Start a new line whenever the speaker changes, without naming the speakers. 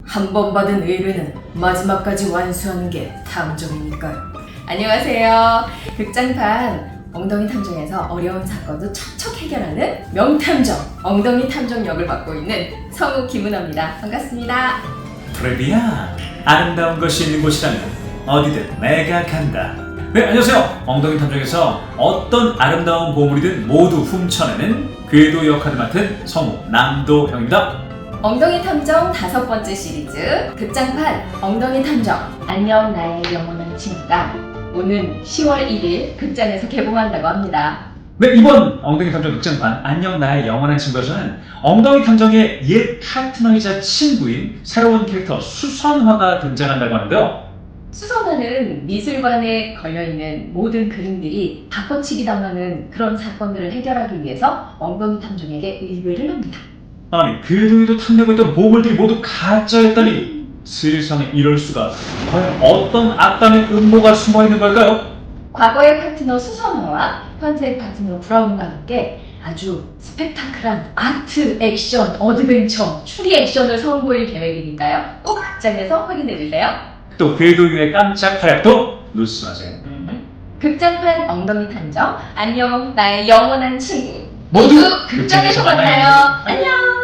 한 번 받은 의뢰는 마지막까지 완수하는 게 탐정이니까요. 안녕하세요. 극장판 엉덩이 탐정에서 어려운 사건도 척척 해결하는 명탐정 엉덩이 탐정 역을 맡고 있는 성우 김은아입니다. 반갑습니다.
프레비야, 아름다운 것이 있는 곳이라면 어디든 내가 간다. 네, 안녕하세요. 엉덩이 탐정에서 어떤 아름다운 보물이든 모두 훔쳐내는 궤도 역할을 맡은 성우 남도형입니다.
엉덩이 탐정 5번째 시리즈 극장판 엉덩이 탐정 안녕 나의 영원한 친구가 오는 10월 1일 극장에서 개봉한다고 합니다.
네, 이번 엉덩이 탐정 극장판 안녕 나의 영원한 친구에서는 엉덩이 탐정의 옛 파트너이자 친구인 새로운 캐릭터 수선화가 등장한다고 하는데요.
수선화는 미술관에 걸려있는 모든 그림들이 바꿔치기 당하는 그런 사건들을 해결하기 위해서 엉덩이 탐정에게 의뢰를 합니다.
아니, 궤도에도 탐내고 있던 보물들이 모두 가짜였다니 세상에 이럴 수가. 과연 어떤 악당의 음모가 숨어있는 걸까요?
과거의 파트너 수선화와 현재 파트너 브라운과 함께 아주 스펙타클한 아트, 액션, 어드벤처, 추리 액션을 선보일 계획이니까요. 꼭 극장에서 확인해주세요.
또 궤도유의 깜짝 활약도 놓치지 마세요.
극장판 엉덩이 탐정 안녕 나의 영원한 친구
모두
극장에서 만나요. 안녕.